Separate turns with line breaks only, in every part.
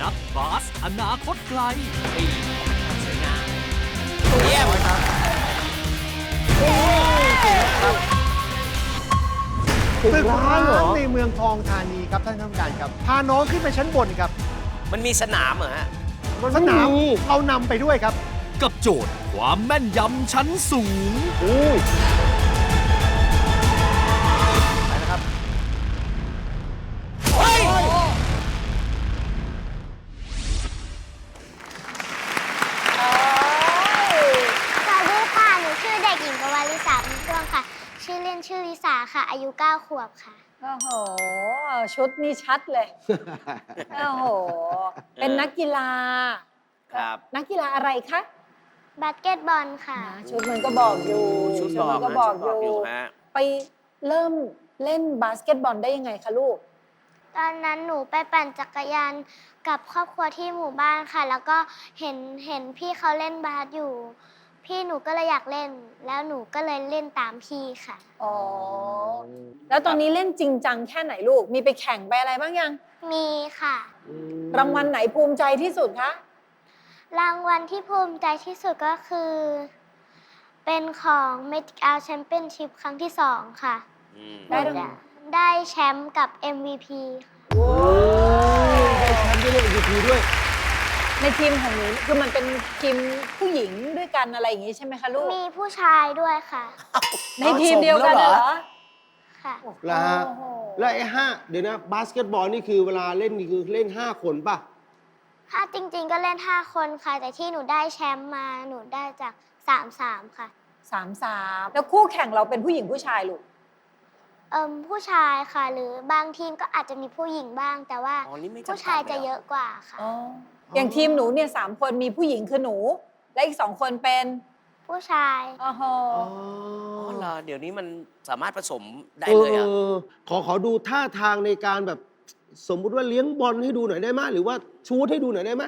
กับบาสอนาคตไกล
สวยงามเยี่ยม
ตึกร้างในเมืองทองธานีครับท่านผู้การครับพาน้องขึ้นไปชั้นบนครับ
มันมีสนามเหรอฮะ
สนามเรานำไปด้วยครับ
กับโจทย์ความแม่นยำชั้นสูง
ไปนะครับ
เฮ้ย
สวัสดีค่ะ หนูชื่อเด็กหญิงกวาลิสาบุญช่วงค่ะ ชื่อเล่นชื่อลิสาค่ะ อายุ 9 ขวบค่ะ
โอ้โห ชุดนี่ชัดเลย โอ้โห เป็นนักกีฬา
ครับ
นักกีฬาอะไรคะ
บาสเกตบอลค่ะ
ชุดมันก็บอกอยู่
ชุดบอก
มันก็
นะ
บอก
ชุด
อยู่
ฮะ
ไปเริ่มเล่นบาสเกตบอลได้ยังไงคะลูก
ตอนนั้นหนูไปปั่นจักรยานกับครอบครัวที่หมู่บ้านค่ะ แล้วก็เห็นพี่เขาเล่นบาสอยู่ พี่หนูก็เลยอยากเล่น แล้วหนูก็เลยเล่นตามพี่ค่ะ
อ๋อ แล้วตอนนี้เล่นจริงจังแค่ไหนลูก มีไปแข่งไปอะไรบ้างยัง
มีค่ะ
รางวัลไหนภูมิใจที่สุดคะ
รางวัลที่ภูมิใจที่สุดก็คือ เป็นของ Magic Hour Championship ครั้งที่ 2 ค่ะ
ได้รางวัล
ได้แชมป์กับ MVP ค่ะ
ได้แชมป์ด้วยเล่น MVP ด้วย
ในทีมของหนูคือมันเป็นทีมผู้หญิงด้วยกันอะไรอย่างงี้ใช่ไหมคะลูก
มีผู้ชายด้วยค่ะ
ในทีมเดียวกันเหรอ
ค่ะ
แล้วฮะ
โอ้โห
แล้วไอ้เดี๋ยวนะ บาสเกตบอลนี่คือเวลาเล่นนี่คือเล่น 5 คนป่ะ
ถ้าจริงๆก็เล่น 5 คนค่ะ แต่ที่หนูได้แชมป์มาหนูได้จาก 3-3 ค่ะ
3-3 แล้วคู่แข่งเราเป็นผู้หญิงผู้ชายลูก
ผู้ชายค่ะ หรือบางทีมก็อาจจะมีผู้หญิงบ้าง แต่ว่า
อ๋อนี่ไม่จำกัด
ผู้ชายจะ
เลยเหรอ
เยอะกว่าค่ะ
อย่างทีมหนูเนี่ย3 คนมีผู้หญิงคือหนู และอีก2 คนเป็น
ผู้ชาย
อ๋อโห
อ๋อเหรอเดี๋ยวนี้มันสามารถผสมได้เลยอ่ะ
ขอดูท่าทางในการแบบสมมุติว่าเลี้ยงบอลให้ดูหน่อยได้ไหมหรือว่าชูตให้ดูหน่อยได้ไหม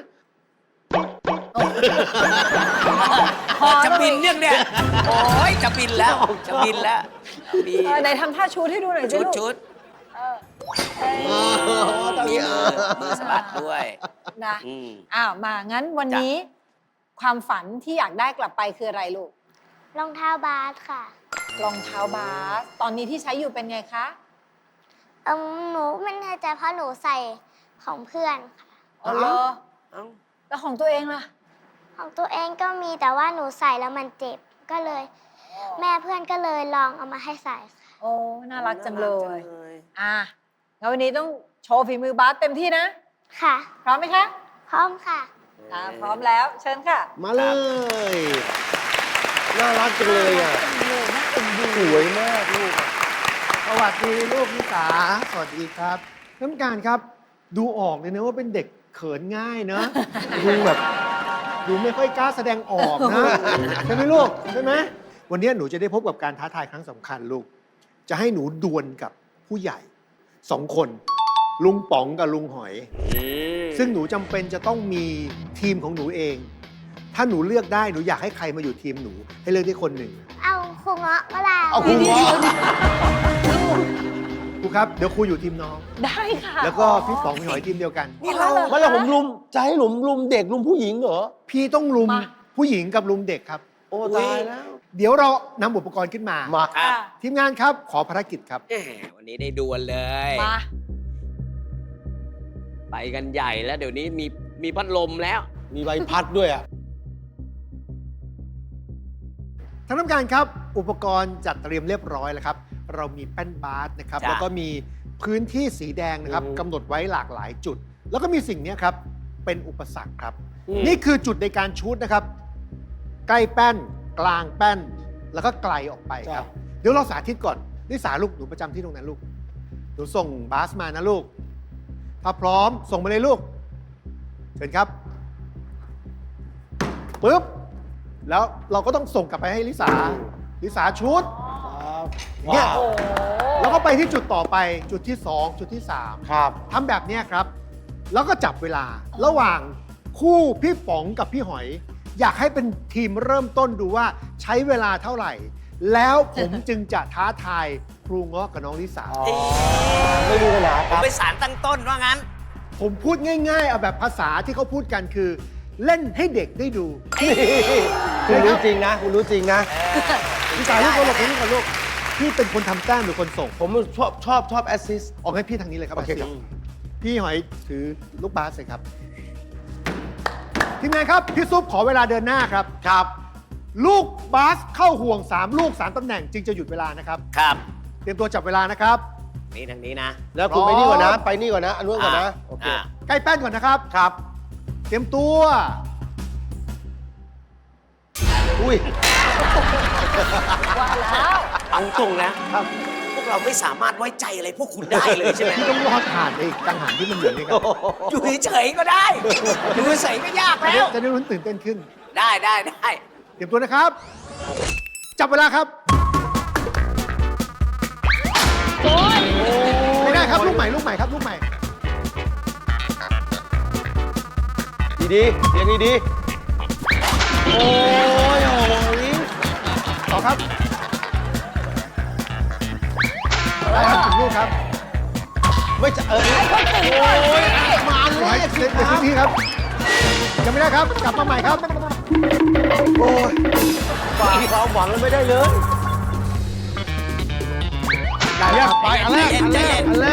จะบินเนี่ยโอ้ยจะบินแล้ว จะบินแล้วดี
ไหนทำท่าชูดให้ดูหน่อยสิ
ชุด
ลูก
ชุด
เออเอ้ย
มีมือสะบัดด้วย
นะ
อืม
อ้าวมางั้นวันนี้ ความฝันที่อยากได้กลับไปคืออะไรลูก
รองเท้าบาสค่ะ
รองเท้าบาส ตอนนี้ที่ใช้อยู่เป็นไงคะ
หนูไม่แน่ใจเพราะหนูใส่ของเพื่อนค่ะ
อ๋อเหรอ
เอ้า
แล้วของตัวเองล่ะ
ของตัวเองก็มีแต่ว่าหนูใส่แล้วมันเจ็บ ก็เลย แม่เพื่อนก็เลยลองเอามาให้ใส่ค่ะ
โอ้ น่ารักจังเลย
น่ารักจังเลย
อ่ะงั้นวันนี้ต้องโชว์ฝีมือบาสเต็มที่นะ
ค่ะ
พร้อมไหมคะ
พร้อมค่ะ
พร้อมแล้ว เชิญค่ะ
มาเลย น่ารักจังเลยอ่ะ
น่าเอ็นดู
สวยมากลูกอะ
สวัสดีลูกนิสาสวัสดีครับท่านผู้การครับ ดูออกเลยนะว่าเป็นเด็กเขินง่ายนะ ดูแบบดูไม่ค่อยกล้าแสดงออกนะใช่ไหมลูกใช่ไหมวันนี้หนูจะได้พบกับการท้าทายครั้งสำคัญลูก จะให้หนูดวลกับผู้ใหญ่2 คน ลุงป๋องกับลุงหอย ซึ่งหนูจำเป็นจะต้องมีทีมของหนูเอง ถ้าหนูเลือกได้หนูอยากให้ใครมาอยู่ทีมหนู ให้เลือกได้คนหนึ่ง
เอาครูเงาะก็ได้
เอาครูครูครับเดี๋ยวครูอยู่ทีมน้อง
ได้ค่ะ
แล้วก็พี่ป๋องพี่หอยทีมเดียวกัน
นี่เรา
ไม่แล้วผมจะให้ลุมเด็กลุมผู้หญิงเหรอ
พี่ต้องลุม
มา
ผู้หญิงกับลุมเด็กครับ
โอ้ตายแล้ว
เดี๋ยวเรานำอุปกรณ์ขึ้นมา
มา
ครับ
ทีมงานครับ ขอภารกิจครับ
แหมวันนี้ได้ดวลเลย
มา
ไปกันใหญ่แล้วเดี๋ยวนี้มีพัดลมแล้ว
มีใบพัดด้วยอ่ะ
ท่านผู้การครับ อุปกรณ์จัดเตรียมเรียบร้อยแล้วครับ เรามีแป้นบาสนะครับ
จ้ะ
แล้วก็มีพื้นที่สีแดงนะครับ
อืม
กำหนดไว้หลากหลายจุด แล้วก็มีสิ่งนี้ครับ เป็นอุปสรรคครับ
อืม
นี่คือจุดในการชูดนะครับ ใกล้แป้น กลางแป้น แล้วก็ไกลออกไปครับ เดี๋ยวเราสาธิตก่อนนิสาลูกหนูประจำที่ตรงนั้นลูก หนูส่งบาสมานะลูก ถ้าพร้อมส่งมาเลยลูก เชิญครับปึ๊บ แล้วเราก็ต้องส่งกลับไปให้ลิสา ลิสาชุด อย่างเงี้ย
ว้าว
โอ้
แล้วก็ไปที่จุดต่อไปจุดที่ 2 จุดที่ 3
ครับ
ทำแบบเนี้ยครับ แล้วก็จับเวลาระหว่างคู่พี่ป๋องกับพี่หอย อยากให้เป็นทีมเริ่มต้นดูว่าใช้เวลาเท่าไหร่ แล้วผมจึงจะท้าทายครูเงาะกับน้องลิสา
ไม่มีปัญหา
ผ
ค
ม
รับ
ไปสารตั้งต้นว่างั้น
ผมพูดง่ายๆเอาแบบภาษาที่เขาพูดกันคือ เล่นให้เด็กได้ดู
คุณรู้จริงนะคุณรู้จริงนะ
พี่สายลูกคนลูกพี่เป็นคนทำแต้มหรือคนส่ง
ผมชอบแอสซิสต์
ออกให้พี่ทางนี้เลยครับ
โอเคครับ
พี่หอยถือลูกบาสเลยครับทีมงานครับพี่ซุปขอเวลาเดินหน้าครับ
ครับ
ลูกบาสเข้าห่วง 3 ลูก 3 ตำแหน่งจึงจะหยุดเวลานะครับ
ครับ
เตรียมตัวจับเวลานะครับ
นี่ทางนี้นะ
แล้วคุณไปนี่ก่อนนะ ไปนี่ก่อนนะอันนู้นก่อนนะโอเค
ใกล้แป้นก่อนนะครับ
ครับ
เตรียมตัว
อุ้ย
ว่าแล้ว
เอาตรงนะพวกเราไม่สามารถไว้ใจอะไรพวกคุณได้เลยใช่ไหม
พี่ต้องรอดผ่านไอ้กังหันที่มันเหลือนี่ครับ
อยู่เฉยๆก็ได้ อยู่เฉยๆก็ยากแล้ว
จะได้รู้ตื่นเต้นขึ้น
ได้
เตรียมตัวนะครับ จับเวลาครับ
โอ้ย
ไม่ได้ครับลูกใหม่ครับลูกใหม่
ดีๆเสียงดีๆโอ้ยโอ้ย
ต่อครับได้ครับถึงลูกครับ
ไม่จะโอ้ยมา
ห
เล
อย
ย
เล่นในพื้นที่ครับยังไม่ได้ครับ กลับมาใหม่ครับ
โอ้ยฝากความหวังแล้วไม่ได้เลย
ได้ครับไปอันแรกไม่ได้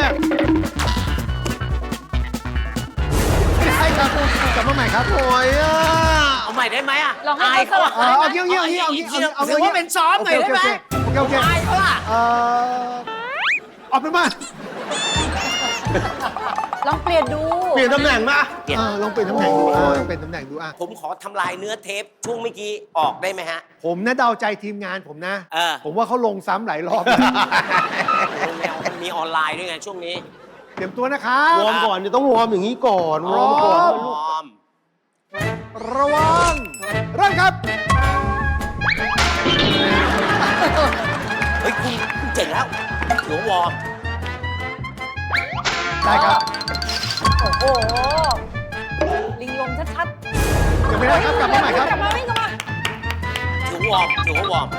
ครับกลับมาใหม่ครับ
โอ้ยอ่ะ
เอาใหม่ได้ไหมอ่ะ
ลองให้
อาย
เขาส
เขา
ลับ
อะ
เอาเงี้ยเอา
ถือว่าเป็นซ้อมหน่อยได้ไหม
โอเค
อายเขาอ่ะ
เอาเป็นว่า
ลองเปลี่ยนดู
เปลี่ยนตำแหน่งมา
ลองเปลี่ยนตำแหน่งดูเป็นตำแหน่งดูอ่ะ
ผมขอทำลายเนื้อเทปช่วงเมื่อกี้ออกได้ไหมฮะ
ผมนะเดาใจทีมงานผมนะ ผมว่าเขาลงซ้ำหลายรอบ
แนวมันมีออนไลน์ด้วยไงช่วงนี้
เตรียมตัวนะครับ
วอร์มก่อนเนี่ยต้องวอร์มอย่างนี้ก่อนวอร์มก่อน
พร้อม
พร้อม
ระวังเริ่มครับ
เฮ้ยคุณเจ๋งแล้วหลวงวอร์ม
ได้ครับ
โอ้โห ลิงลมชัด
ยังไม่ได้ครับ กลับมาใหม่ครับ
กลับมาวิ่งกลับมา
ถือวอร์มถือว่าวอร์ม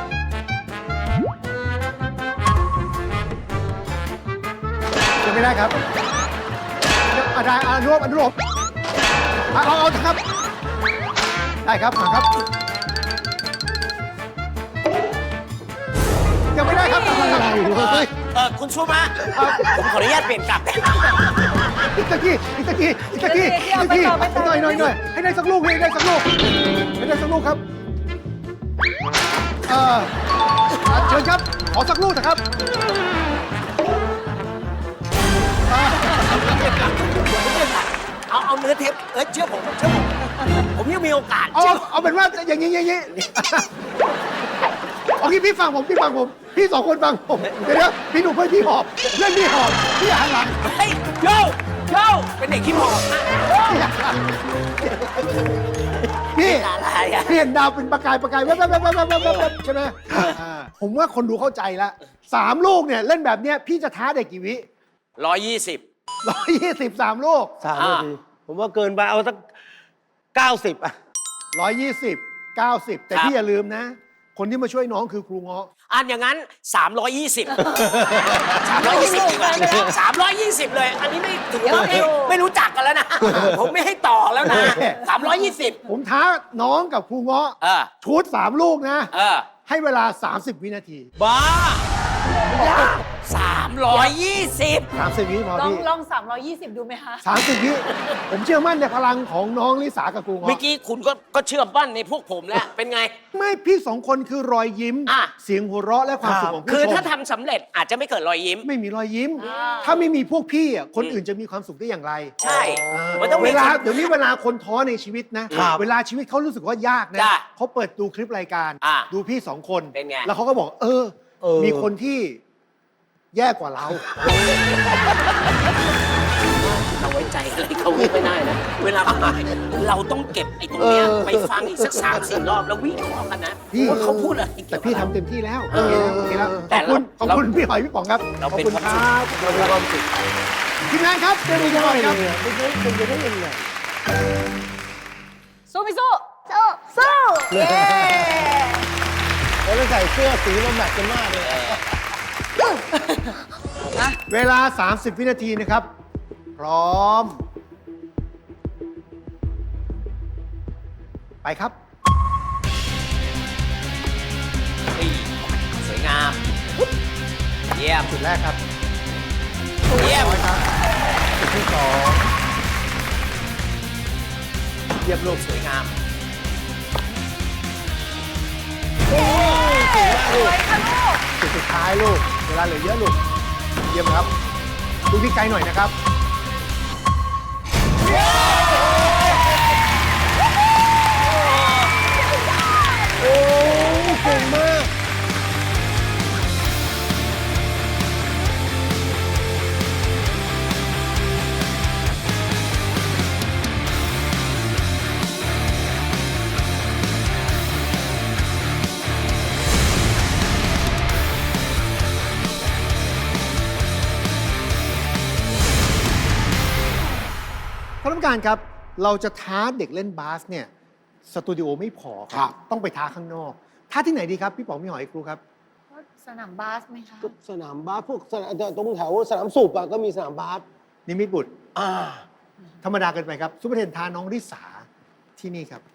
ยังไม่ได้ครับได้อนุโลมเอาครับ ได้ครับมาครับ ยังไม่ได้ครับกลับมาครับ
คุณชูมาผมขออนุญาตเปลี่ยนกลับ
อีกตะกี้หน่อยให้ได้สักลูกให้ได้สักลูกครับเชิญครับขอสักลูกนะครับ
เอาเนื้อเทปเชื่อผมผมยังมีโอกาส
เอาเป็นว่าอย่างนี้เอางี้พี่ฟังผมพี่สองคนฟังผมเดี๋ยวพี่หนุ่มเพื่อนพี่หอบเล่นพี่หอบพี่หันหลัง
เฮ้ยโยเป็นเด็กขี้หมอก
พี่
อะไรอ่ะ
พี่เห็นดาวเป็นประกายแว๊บใช่ไหมผมว่าคนดูเข้าใจแล้ว3 ลูกเนี่ยเล่นแบบเนี้ยพี่จะท้าเด็กกี่วิ
120
123 ลูก
3 นาทีผมว่าเกินไปเอาสัก90อ่ะ
120 90 แต่พี่อย่าลืมนะ คนที่มาช่วยน้องคือครูเงาะ
อันอย่างนั้น 320 320 ดีกว่า320 เลย อันนี้ไม่ถือว่าไม่รู้จักกันแล้วนะ ผมไม่ให้ต่อแล้วนะ 320
ผมท้าน้องกับครูเงาะชุด3 ลูกนะ ให้เวลา 30 วินาที
บ้า320
30 วิพอ
ลอง
พี่
ลอง320 ดูไหมคะ
30 วิผมเชื่อมั่นในพลังของน้องลิสากับครู
เมื่อ
เงาะ
กี้คุณก็เชื่อมั่นในพวกผมแล้ว เป็นไง
ไม่พี่2 คนคือรอยยิ้ม เสียงหัวเราะและความสุขของผู้ชม
คือถ้าทำสำเร็จอาจจะไม่เกิดรอยยิ้ม
ไม่มีรอยยิ้ม ถ้าไม่มีพวกพี่อ่ะคนอื่นจะมีความสุขได้อย่างไร
ใช่ มันต้อง
เว
มี
ลา
คน
เดี๋ยวนี้เวลาคนท้อในชีวิตนะ เวลาชีวิตเขารู้สึกว่ายากนะ
จ้ะ
เขาเปิดดูคลิปรายการ ดูพี่2 คน
เป็นไง
แล้วเขาก็บอกมีคนที่แย่กว่าเรา
เราไว้ใจอะไรเขาไม่ได้นะ เวลาเราต้องเก็บไอ้ตรงเนี้ยไปฟังอีกสัก3-4 รอบแล้ววิเคราะห์กันนะ
พี่
ว่าเขาพูดอะไร
แต่พี่ทำเต็มที่แล้ว
เออ
โอเคแล้ว
แต่
ขอบคุณพี่หอยพี่ป๋องครับ
เรา
ขอบ
เป็น
คุณ
ความ
ค
สุข
รับ
เรามีความสุข
ทีมงานครับเดินดูก่อนครับ
ไม่ใช่เป็นไปได้ยังไง
สู้ไม่สู้
สู้
สู้เย้
แล้วใส่เสื้อสีมันแมทกันมากเลย
เวลา 30 วินาทีนะครับ พร้อมไปครับ
นี่สวยงาม เยี่ยม
จุดแรกครับ
เยี่ยม
ร้อยครับจุดที่สอง
เยี่ยมลูกสวยงาม
จุดสุดท้ายลูก เวลาเหลือเยอะลูก เยี่ยมครับดูที่ไกลหน่อยนะครับ
โอ้เก่งมาก
ท่านผู้การครับ เราจะท้าเด็กเล่นบาสเนี่ย สตูดิโอไม่พอค
ครั
รับ ต้องไปท้าข้างนอก ท้าที่ไหนดีครับ พี่ป๋องพี่หอยครูครับ
สนามบาสไหมคะ
ก็สนามบาสพวกสนามตรงแถวสนามสูบอะก็มีสนามบาส
นิมิตบุตร
อ่า
ธรรมดาเกินไปครับ ซุปเปอร์เทนท้าน้องริสาที่นี่ครับ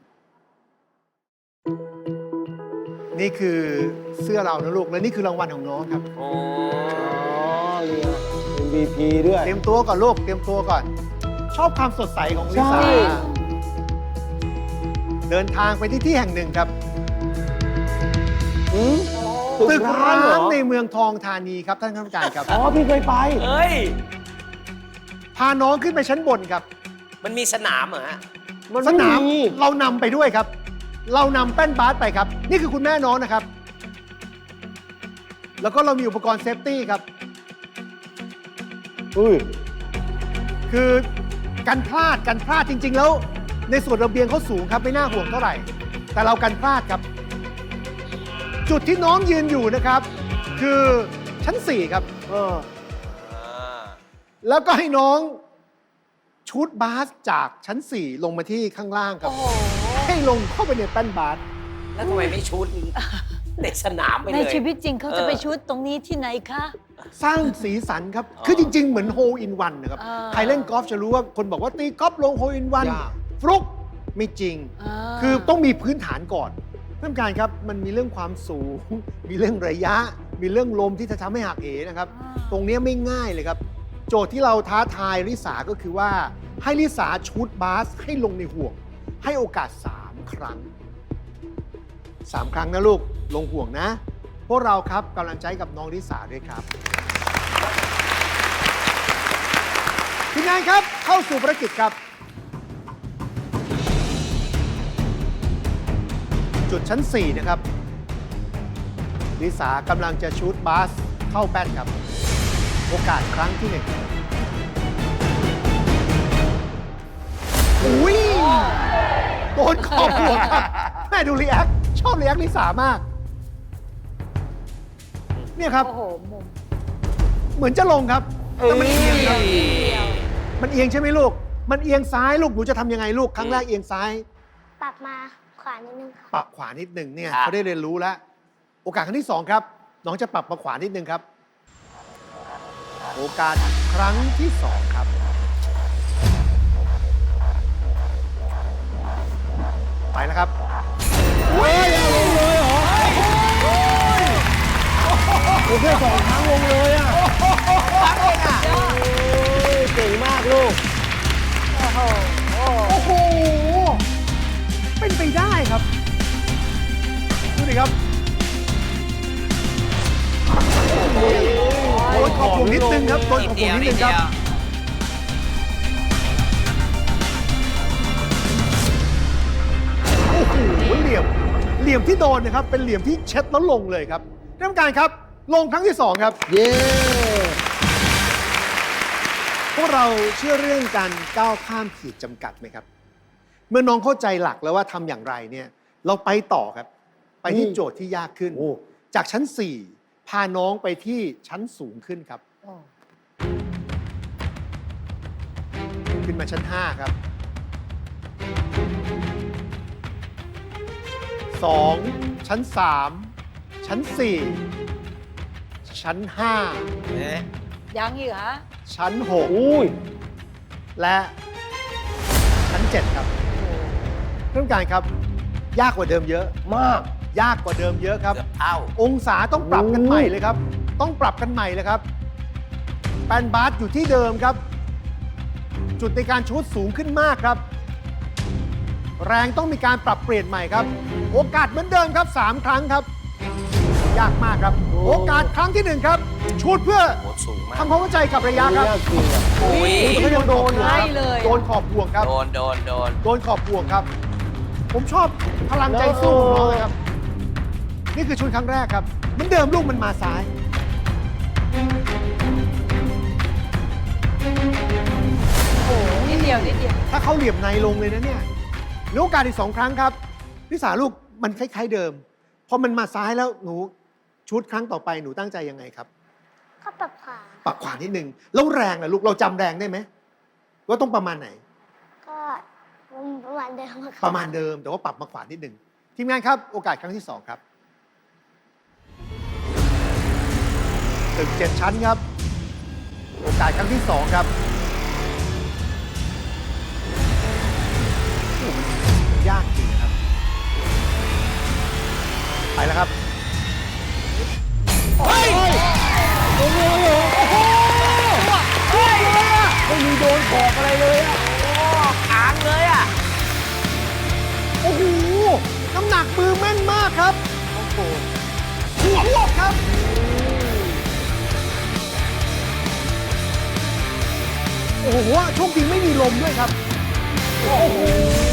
นี่คือเสื้อเรานะลูก และนี่คือรางวัลของน้องครับ
โอ้
อ๋อเนี่ย MVP ด้วย
เตรียมตัวก่อนลูก เตรียมตัวก่อน ชอบความสดใสของลิซ่า
ใช่
เดินทางไปที่แห่งหนึ่งครับ
อืม
ตึก
เห
ร้าง
อ
ในเมืองทองธานีครับท่านคณะกรรมการครับ
อ๋อ พี่เคยไป
เฮ้ย
พาน้องขึ้นไปชั้นบนครับ
มันมีสนามเหรอฮะ
มัน
ส
ไม่
นาม
มี
เรานำไปด้วยครับ เรานำแป้นบาสไปครับ นี่คือคุณแม่น้องนะครับ แล้วก็เรามีอุปกรณ์เซฟตี้ครับ
อุ้ย
คือกันพลาดจริง ๆ แล้ว ในส่วนระเบียงเขาสูงครับไม่น่าห่วงเท่าไหร่ แต่เรากันพลาดครับ จุดที่น้องยืนอยู่นะครับ คือชั้น 4 ครับ
เออ
แล้วก็ให้น้องชูตบาสจากชั้น 4 ลงมาที่ข้างล่างครับ
โอ้โห
ให้ลงเข้าไปในแป้นบาส
แล้วทำไมไม่ชุดในสนามไปเลย
ในชีวิตจริงเขาจะไปชุดตรงนี้ที่ไหนคะ
สร้างสีสันครับ คือจริง ๆ เหมือนโฮอินวันนะครับ
อ่า
ใครเล่นกอล์ฟจะรู้ว่าคนบอกว่าตีกอล์ฟลงโฮอินวัน
ยาก
ฟลุกไม่จริง
า
คือต้องมีพื้นฐานก่อนท่านผู้การครับ มันมีเรื่องความสูง มีเรื่องระยะ มีเรื่องลมที่จะทำให้หักเหนะครับ ตรงเนี้ยไม่ง่ายเลยครับ โจทย์ที่เราท้าทายลิสาก็คือว่า ให้ลิสาชูตบาสให้ลงในห่วง ให้โอกาส 3 ครั้ง 3 ครั้งนะลูก ลงห่วงนะ พวกเราครับกำลังใจกับน้องลิสาด้วยครับทีมงานครับเข้าสู่ภารกิจครับ จุดชั้น 4 นะครับลิสากำลังจะชูตบาสเข้าแป้นครับ โอกาสครั้งที่ 1อุ้ยโดนขอบหัวครับ แม่ดูรีแอคชอบรีแอคลิสามาก เนี่ยครับ
โอ้โห มุม
เหมือนจะลงครับแต่มันเอียงครับ มันเอียงใช่ไหมลูก มันเอียงซ้ายลูก หนูจะทำยังไงลูก ครั้งแรกเอียงซ้าย
ปรับมาขวานิดนึงค่ะ
ปรับขวานิดหนึ่งเนี่ย
ครับ
เขาได้เรียนรู้แล้ว โอกาสครั้งที่ 2 ครับ น้องจะปรับมาขวานิดนึงครับ โอกาสครั้งที่ 2 ครับ ไปแล้วครับ
เฮ้ยเอาลงเลยเหรอโอเค2 ครั้งลงเลยอ่ะโอ้ยเก่งมากลูก
โอ้โห
โอ้โห เป็นไปได้ครับ ดูดิครับโดนขอบวงนิดนึงครับโดนขอบวงนิดนึงครับ โอ้โห เหลี่ยมที่โดนนะครับ เป็นเหลี่ยมที่เช็ดแล้วลงเลยครับท่านผู้การครับ ลงครั้งที่ 2 ครับ
เย้
พวกเราเชื่อเรื่องการก้าวข้ามขีดจำกัดไหมครับ เมื่อน้องเข้าใจหลักแล้วว่าทำอย่างไรเนี่ย เราไปต่อครับ ไปที่โจทย์ที่ยากขึ้น
โอ้
จากชั้น 4 พาน้องไปที่ชั้นสูงขึ้นครับ
โอ้
ขึ้นมาชั้น 5 ครับ 2 ชั้น 3 ชั้น 4 ชั้น
ยังอีกเหรอ
5 ชั้น
อุ้ย
6 และชั้น 7 ครับท่านผู้การครับ ยากกว่าเดิมเยอะ
มาก
ยากกว่าเดิมเยอะครับ
เกือบเท่า
องศาต้องปรับกันใหม่เลยครับ ต้องปรับกันใหม่เลยครับแปนบาสอยู่ที่เดิมครับ จุดในการชูตสูงขึ้นมากครับ แรงต้องมีการปรับเปลี่ยนใหม่ครับ โอกาสเหมือนเดิมครับ 3 ครั้งครับ ยากมากครับ โอกาสครั้งที่ 1 ครับชูตเพื่อ
โหสูงมาก
ทำความเข้าใจกับระยะครับ
ยากจริงอะ
โอ้ย
เขายังโดนอยู่ครับ
ใช่เลย
โดนขอบห่วงครับ
โดน
โดนขอบห่วงครับ ผมชอบพลังใจสู้ของน้องเลยครับ นี่คือชุดครั้งแรกครับเหมือนเดิมลูกมันมาซ้าย
โอ้โหนิดเดียวนิดเดียว
ถ้าเขาเหลี่ยมในลงเลยนะเนี่ยเหลือโอกาสอีก 2 ครั้งครับลิสาลูกมันคล้ายๆเดิม พอมันมาซ้ายแล้วหนูชุดครั้งต่อไปหนูตั้งใจยังไงครับ
ก็ปรับขวา
ปรับขวานิดนึงแล้วแรงล่ะลูกเราจำแรงได้ไหมว่าต้องประมาณไหน
ก็ประมาณเดิมอะค่ะ
ประมาณเดิมแต่ว่าปรับมาขวานิดนึงทีมงานครับโอกาสครั้งที่ 2 ครับตึก7 ชั้นครับ โอกาสครั้งที่ 2 ครับโอ้โหมันยากจริงนะครับ ไปแล้วครับ เฮ้ย
โอ้โหไม่มีโดนขอบอะไรเลยอะ
ค้างเลยอ่ะ
โอ้โห น้ำหนักมือแม่นมากครับ โอ้โหหัวหลบครับ โอ้โหโชคดีไม่มีลมด้วยครับ โอ้โห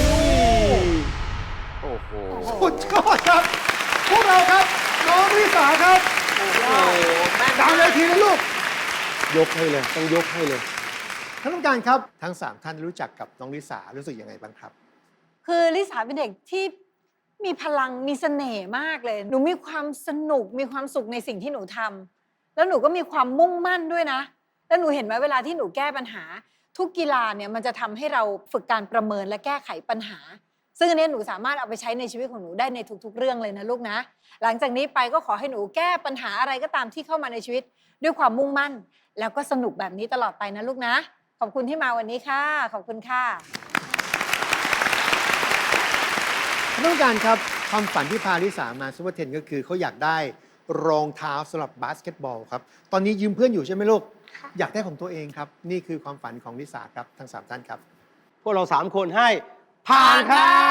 โอ้โห
สุดยอดครับ พวกเราครับ น้องลิสาครับ
โอ้โหแม่น
ดังเลยทีนะลูก
ยกให้เลย ต้องยกให้เลย
ท่านผู้การครับ ทั้ง 3 ท่านรู้จักกับน้องลิสารู้สึกยังไงบ้างครับ
คือลิสาเป็นเด็กที่มีพลังมีเสน่ห์มากเลย หนูมีความสนุกมีความสุขในสิ่งที่หนูทำแล้วหนูก็มีความมุ่งมั่นด้วยนะ แล้วหนูเห็นไหมเวลาที่หนูแก้ปัญหา ทุกกีฬาเนี่ยมันจะทำให้เราฝึกการประเมินและแก้ไขปัญหา ซึ่งอันนี้หนูสามารถเอาไปใช้ในชีวิตของหนูได้ในทุกๆ เรื่องเลยนะลูกนะ หลังจากนี้ไปก็ขอให้หนูแก้ปัญหาอะไรก็ตามที่เข้ามาในชีวิต ด้วยความมุ่งมั่น แล้วก็สนุกแบบนี้ตลอดไปนะลูกนะ ขอบคุณที่มาวันนี้ค่ะ ขอบคุณค่ะ
ท่านผู้การครับ ความฝันที่พาลิสามาซูเปอร์เทนก็คือเขาอยากได้รองเท้าสำหรับบาสเกตบอลครับ ตอนนี้ยืมเพื่อนอยู่ใช่ไหมลูก
ค่ะ
อยากได้ของตัวเองครับ นี่คือความฝันของลิสาครับ ทั้ง 3 ท่านครับ
พวกเรา3 คนให้ผ่านครับ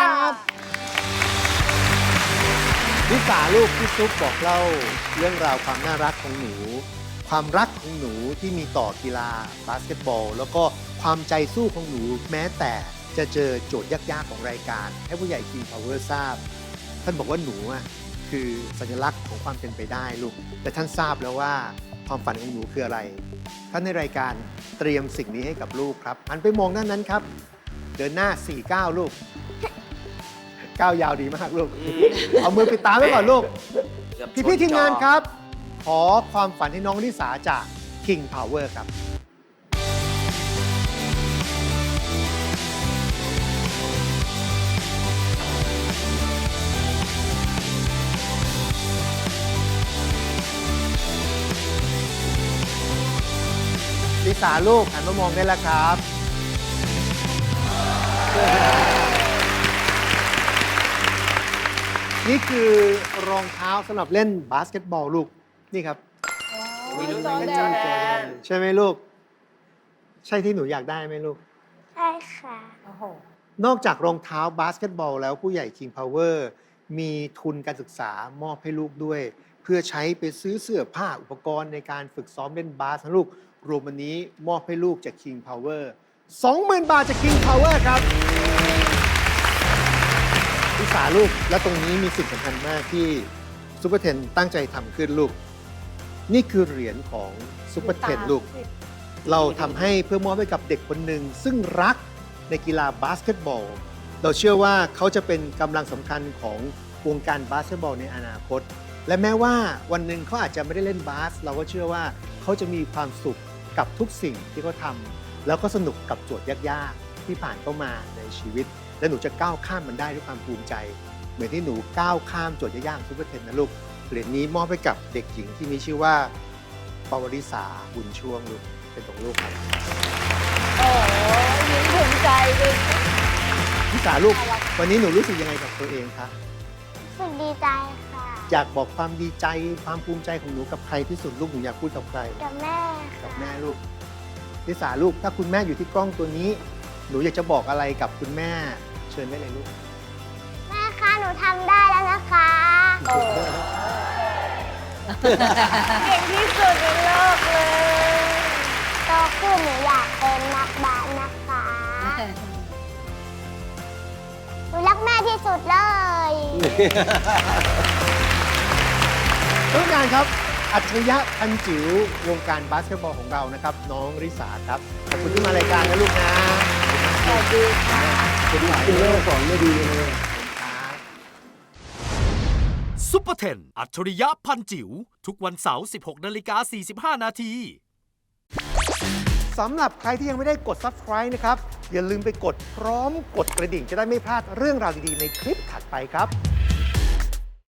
ลิสาลูกพี่ซุปบอกเล่าเรื่องราวความน่ารักของหนู ความรักของหนูที่มีต่อกีฬาบาสเกตบอล แล้วก็ความใจสู้ของหนูแม้แต่จะเจอโจทย์ยากๆของรายการ ให้ผู้ใหญ่ King Power ทราบ ท่านบอกว่าหนูอ่ะคือสัญลักษณ์ของความเป็นไปได้ลูก แต่ท่านทราบแล้วว่าความฝันของหนูคืออะไร ท่านในรายการเตรียมสิ่งนี้ให้กับลูกครับหันไปมองด้านนั้นครับ เดินหน้า 49 ลูก ก้าวยาวดีมากลูก เอามือปิดตาไว้ก่อนลูก
เกือบช
พี่ๆทีมงาน
จอ
ครับ ขอความฝันให้น้องลิสาจาก King Power ครับ ลิสาลูกหันมามองได้แล้วครับ นี่คือรองเท้าสำหรับเล่นบาสเกตบอลลูก นี่ครับ
มีลูกเป็นจอแดน
ใช่ไหมลูก ใช่ที่หนูอยากได้ไหมลูก
ใช่ค่ะ
โอ้โห
นอกจากรองเท้าบาสเกตบอลแล้วผู้ใหญ่ King Power มีทุนการศึกษามอบให้ลูกด้วย เพื่อใช้ไปซื้อเสื้อผ้าอุปกรณ์ในการฝึกซ้อมเล่นบาสนะลูก รวมวันนี้มอบให้ลูกจาก King Power 20,000 บาทจาก King Power ครับลิสาลูกและตรงนี้มีสิ่งสำคัญมากที่ซูเปอร์เทนตั้งใจทำขึ้นลูก นี่คือเหรียญของซูเปอร์เทนลูก เราทำให้เพื่อมอบให้กับเด็กคนหนึ่งซึ่งรักในกีฬาบาสเกตบอล เราเชื่อว่าเขาจะเป็นกำลังสำคัญของวงการบาสเกตบอลในอนาคต และแม้ว่าวันหนึ่งเขาอาจจะไม่ได้เล่นบาส เราก็เชื่อว่าเขาจะมีความสุขกับทุกสิ่งที่เขาทำแล้วก็สนุกกับโจทย์ยากๆที่ผ่านเข้ามาในชีวิต และหนูจะก้าวข้ามมันได้ด้วยความภูมิใจ เหมือนที่หนูก้าวข้ามโจทย์ยากๆซูเปอร์เทนนะลูกเหรียญนี้มอบให้กับเด็กหญิงที่มีชื่อว่าปวริษาบุญช่วงลูกเป็นของลูกครับ
โอ้ยยิ้มภูมิใจด้วย
พี่สาลูก
น่ารัก
วันนี้หนูรู้สึกยังไงกับตัวเองคะ
รู้สึกดีใจค่ะ
อยากบอกความดีใจความภูมิใจของหนูกับใครที่สุดลูกหนูอยากพูดกับใคร
กับแม่
กั
ค่ะ
บแม่ลูกลิสาลูกถ้าคุณแม่อยู่ที่กล้องตัวนี้ หนูอยากจะบอกอะไรกับคุณแม่ เชิญได้เลยลูก
แม่คะหนูทำได้แล้วนะคะ
เก่งที่สุดในโลกเลย
โตขึ้นหนูอยากเป็นนักบาสนะคะหนูรักแม่ที่สุดเลย
ทุกงานครับ อัจฉริยะพันจิ๋ววงการบาสเกตบอลของเรานะครับ น้องริสาครับ ขอบคุณที่มารายการนะลูกนะ
สวัสดีค่ะ
คุณหลาย
คุณ
เล
แม่
ย
สอนไม่ดีเลย
ครับ
ซุปเปอร์เทนอัจฉริยะพันจิ๋วทุกวันเสาร์ 16:45 นาที
สำหรับใครที่ยังไม่ได้กด subscribe นะครับ อย่าลืมไปกดพร้อมกดกระดิ่งจะได้ไม่พลาดเรื่องราวดีๆในคลิปถัดไปครับ